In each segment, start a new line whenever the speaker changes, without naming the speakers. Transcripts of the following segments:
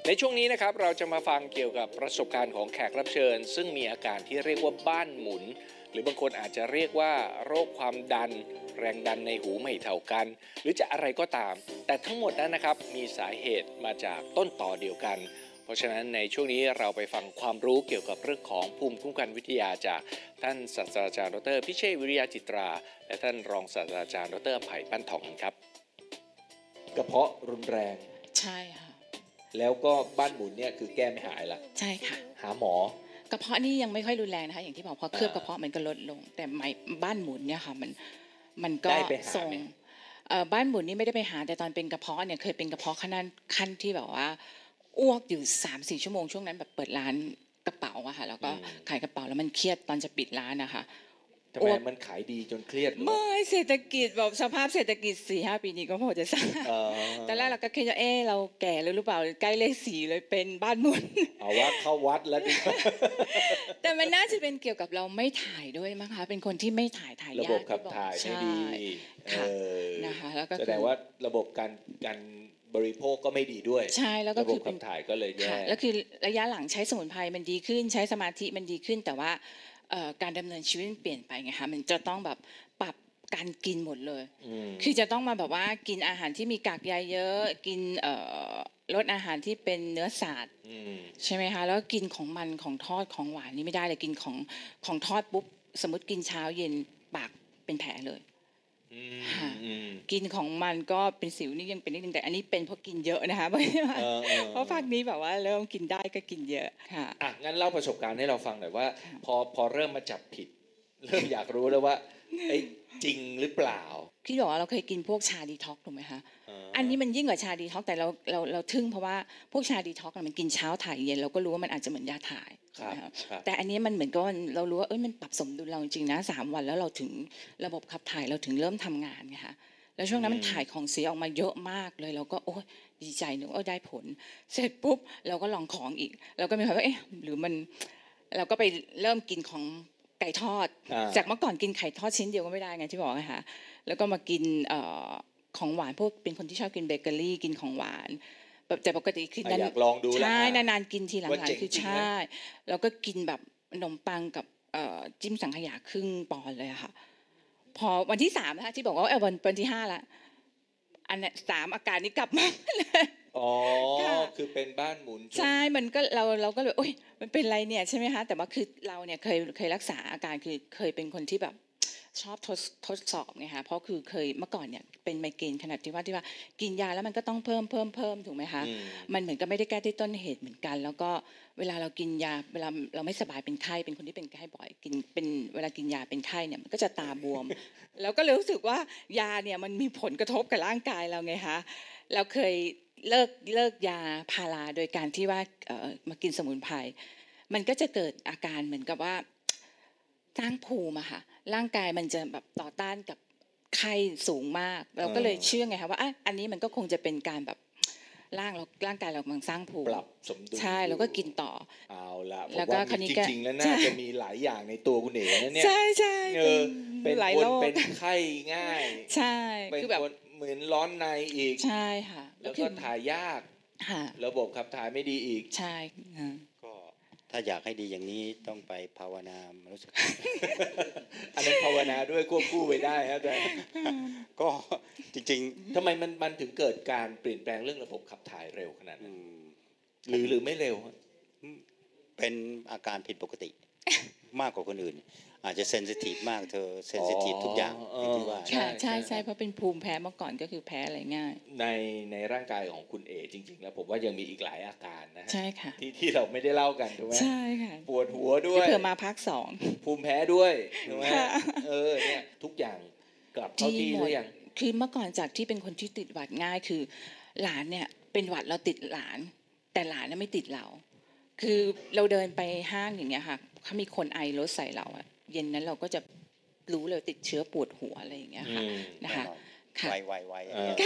ในช่วงนี้นะครับเราจะมาฟังเกี่ยวกับประสบการณ์ของแขกรับเชิญซึ่งมีอาการที่เรียกว่าบ้านหมุนหรือบางคนอาจจะเรียกว่าโรคความดันแรงดันในหูไม่เท่ากันหรือจะอะไรก็ตามแต่ทั้งหมดนั้นนะครับมีสาเหตุมาจากต้นต่อเดียวกันเพราะฉะนั้นในช่วงนี้เราไปฟังความรู้เกี่ยวกับเรื่องของภูมิคุ้มกันวิทยาจากท่านศาสตราจารย์ดร.พิเชษฐ์วิริยะจิตราและท่านรองศาสตราจารย์ดร.ไผ่ปั้นทองครับกระเพาะรุนแรง
ใช่ค่ะ
แล้วก็บ้านหมุนเนี่ยคือแก้ไม่หายละ
ใช่ค่ะ
หาหม
อกระเพาะนี่ยังไม่ค่อยรุนแรงนะคะอย่างที่บอกพอเคลือบกระเพาะมันก็ลดลงแต่บ้านหมุนเนี่ยค่ะมันก็ส่งบ้านหมุนนี่ไม่ได้ไปหาแต่ตอนเป็นกระเพาะเนี่ยเคยเป็นกระเพาะขั้นที่แบบว่าอ้วกอยู่ 3-4 ชั่วโมงช่วงนั้นแบบเปิดร้านกระเป๋าอะค่ะแล้วก็ขายกระเป๋าแล้วมันเครียดตอนจะปิดร้านนะคะ
ทำไมมันขายดีจนเครียด
ไม่เศรษฐกิจแบบสภาพเศรษฐกิจ 4-5 ปีนี้ก็พอจะทราบตอนแรกเราก็คิดว่าเราแก่แล้วหรือเปล่าใกล้เลข4เลยเป็นบ้านหมุน
เอาว่าเข้าวัดแล้วดิ
แต่มันน่าจะเป็นเกี่ยวกับเราไม่ถ่ายด้วยมั้งคะเป็นคนที่ไม่ถ่ายยาก
ระบบขับถ่ายไม่ดี
นะคะแล้วก็
แสดงว่าระบบการบริโภคก็ไม่ดีด้วย
ใช่แล้วก็
คือระบบขับถ่ายก็เลยแย่
แล้วคือระยะหลังใช้สมุนไพรมันดีขึ้นใช้สมาธิมันดีขึ้นแต่ว่าการดำเนินชีวิตมันเปลี่ยนไปไงคะมันจะต้องแบบปรับการกินหมดเลยคือจะต้องมาแบบว่ากินอาหารที่มีกากใยเยอะกินลดอาหารที่เป็นเนื้อสัตว์ใช่ไหมคะแล้วกินของมันของทอดของหวานนี่ไม่ได้เลยกินของทอดปุ๊บสมมติกินเช้าเย็นปากเป็นแผลเลยกินของมันก็เป็นสิวนี่ยังเป็นนิดนึงแต่อันนี้เป็นเพราะกินเยอะนะคะเพราะภาคนี้แบบว่าเริ่มกินได้ก็กินเยอะค่ะ
งั้นเล่าประสบการณ์ให้เราฟังหน่อยว่าพอเริ่มมาจับผิดเริ่มอยากรู้แล้วว่าจริงหรือเปล่า
พี่บอกว่าเราเคยกินพวกชาดีท็อกถูกไหมคะอันนี้มันยิ่งกว่าชาดีท็อกแต่เราทึ่งเพราะว่าพวกชาดีท็อกมันกินเช้าถ่ายเย็นเราก็รู้ว่ามันอาจจะเหมือนยาถ่ายแต่อันนี้มันเหมือนกับเรารู้ว่ามันปรับสมดุลเราจริงนะ3 วันแล้วเราถึงระบบขับถ่ายเราถึงเริ่มทำงานไงคะแล้วช่วงนั้นมันถ่ายของเสียออกมาเยอะมากเลยเราก็โอ้ยดีใจนึกว่าได้ผลเสร็จปุ๊บเราก็ลองของอีกเราก็มีความว่าหรือมันเราก็ไปเริ่มกินของไก่ทอดจากเมื่อก่อนกินไข่ทอดชิ้นเดียวก็ไม่ได้ไงที่บอกนะคะแล้วก็มากินของหวานพวกเป็นคนที่ชอบกินเบเกอรี่กินของหวานแต่ปกติคือ
อยากลองดู
ใช่นานๆกินทีหลังๆคือใช่แล้วก็กินแบบขนมปังกับจิ้มสังขยาครึ่งปอนด์เลยค่ะพอวันที่3นะคะที่บอกว่าวันที่5ละอันนี้3อาการนี้กลับมาเลย
คือเป็นบ้านหมุน
ใช่มันก็เราก็เลยโอ๊ยมันเป็นไรเนี่ยใช่ไหมคะแต่ว่าคือเราเนี่ยเคยรักษาอาการคือเคยเป็นคนที่แบบชอบทดสอบไงคะเพราะคือเคยเมื่อก่อนเนี่ยเป็นไมเกรนขนาดที่ว่ากินยาแล้วมันก็ต้องเพิ่มถูกไหมคะมันเหมือนกับไม่ได้แก้ที่ต้นเหตุเหมือนกันแล้วก็เวลาเรากินยาเวลาเราไม่สบายเป็นไข้เป็นคนที่เป็นไข้บ่อยกินเป็นเวลากินยาเป็นไข้เนี่ยมันก็จะตาบวมแล้วก็เลยรู้สึกว่ายาเนี่ยมันมีผลกระทบกับร่างกายเราไงคะเราเคยเลิกยาพาราโดยการที่ว่ามากินสมุนไพรมันก็จะเกิดอาการเหมือนกับว่าสร้างภูมิอะค่ะร่างกายมันจะแบบต่อต้านกับไข้สูงมากเราก็เลยเชื่อไงคะว่าอันนี้มันก็คงจะเป็นการแบบร่างกายเรากำลังสร้างภูมิ
ปรับสมดุล
ใช่แล้วก็กินต่อ
เอาละแล้วก็จริงๆแล้วน่าจะมีหลายอย่างในตัวคุณเอ๋นะเนี่ย
ใช่
เป็นคนเป็นไข้ง่าย
ใช่
คือแบบเหมือนร้อนในอีก
ใช่ค่ะ
แล้วก็ถ่ายยากระบบขับถ่ายไม่ดีอีก
ใช่
ก็ถ้าอยากให้ดีอย่างนี้ต้องไปภาวนารู้สึก
อันนั้นภาวนาด้วยควบคู่ไปได้ครับแต่
ก็จริง
ๆทำไมมันถึงเกิดการเปลี่ยนแปลงเรื่องระบบขับถ่ายเร็วขนาดนั้นหรือไม่เร็ว
เป็นอาการผิดปกติมากกว่าคนอื่นอาจจะเซนซิทีฟมากเธอเซนซิทีฟทุกอย่างที่ว่า
ใช่เพราะเป็นภูมิแพ้เมื่อก่อนก็คือแพ้อะไรง่าย
ในร่างกายของคุณเอจริงๆแล้วผมว่ายังมีอีกหลายอาการนะ
ใช่ค่ะ
ที่เราไม่ได้เล่ากันถูกไหม
ใช่ค่ะ
ปวดหัวด้วย
เผื่อมาภาค2
ภูมิแพ้ด้วยถูกไหมเนี่ยทุกอย่างกลับเข้าที่หรือยัง
คือเมื่อก่อนจากที่เป็นคนที่ติดหวัดง่ายคือหลานเนี่ยเป็นหวัดเราติดหลานแต่หลานไม่ติดเราคือเราเดินไปห้างอย่างเงี้ยค่ะเขามีคนไอรถใส่เราอะเย็นนั้นเราก็จะรู้เลยติดเชื้อปวดหัวอะไรอย่างเงี้ยค่ะนะคะ
ค่ะไว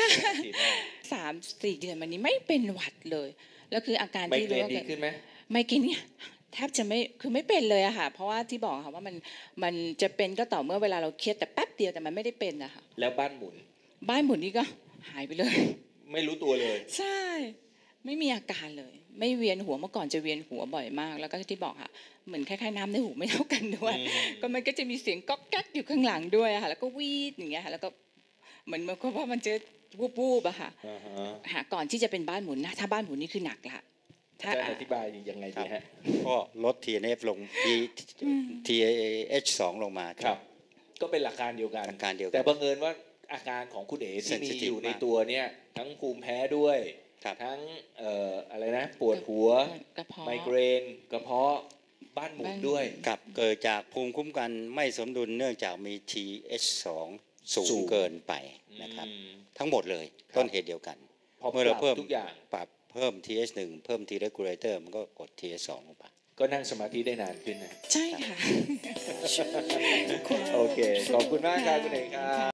3-4 เดือนมานี้ไม่เป็นหวัดเลยแล้วคืออาการที่
รู้ว่าดีขึ้นไหม
ไม่กินเนี่ยแทบจะไม่เป็นเลยอะค่ะเพราะว่าที่บอกค่ะว่ามันจะเป็นก็ต่อเมื่อเวลาเราเครียดแต่แป๊บเดียวแต่มันไม่ได้เป็นอะค่ะ
แล้วบ้านหมุน
นี่ก็หายไปเลย
ไม่รู้ตัวเลย
ใช่ไม่มีอาการเลย ไม่เวียนหัวเมื่อก่อนจะเวียนหัวบ่อยมาก แล้วก็ที่บอกค่ะเหมือนคล้ายๆน้ำในหูไม่เท่ากันด้วย ก็มันก็จะมีเสียงก๊อกแก๊กอยู่ข้างหลังด้วยอะค่ะแล้วก็วีดอย่างเงี้ยค่ะแล้วก็เหมือนกับว่ามันจะวูบๆอะค่ะ
อ่าฮะ
ค่ะก่อนที่จะเป็นบ้านหมุนนะถ้าบ้านหมุนนี่คือหนักละ
อาจารย์อธิบายยังไงดีฮะ
ก็ลด TNF ลง TH2 ลงมา
ครับ ก็เป็นหลักการเดียวกัน
หลักการเดียวกัน
แต่บังเอิญว่าอาการของคุณเอ๋ที่มี
Sensitive
อยู่ใน
มาก
ตัวเนี่ยทั้งภูมิแพ้ด้วย
ครับ
ทั้งอะไรนะปวดหัว
กระเพาะ
ไมเกรนกระเพาะบ้านหมุนด้วย
กับเกิดจากภูมิคุ้มกันไม่สมดุลเนื่องจากมี TH2 สู
สู
ง
ง
เกินไปนะครับ
อืม
ทั้งหมดเลย
ครับ
ต้นเหตุเดียวกัน
พอ
เมื่อเรา
ป
เพิ่
รับ
ม
ทุกอย่าง
ปรับเพิ่ม TH1 เพิ่ม T regulator มันก็กด TH2 ลงไป
ก็นั่งสมาธิได้นานขึ้นนะ
ใช่ค่ะ
โอเค ขอบคุณมากครับคุณเอ๋ครับ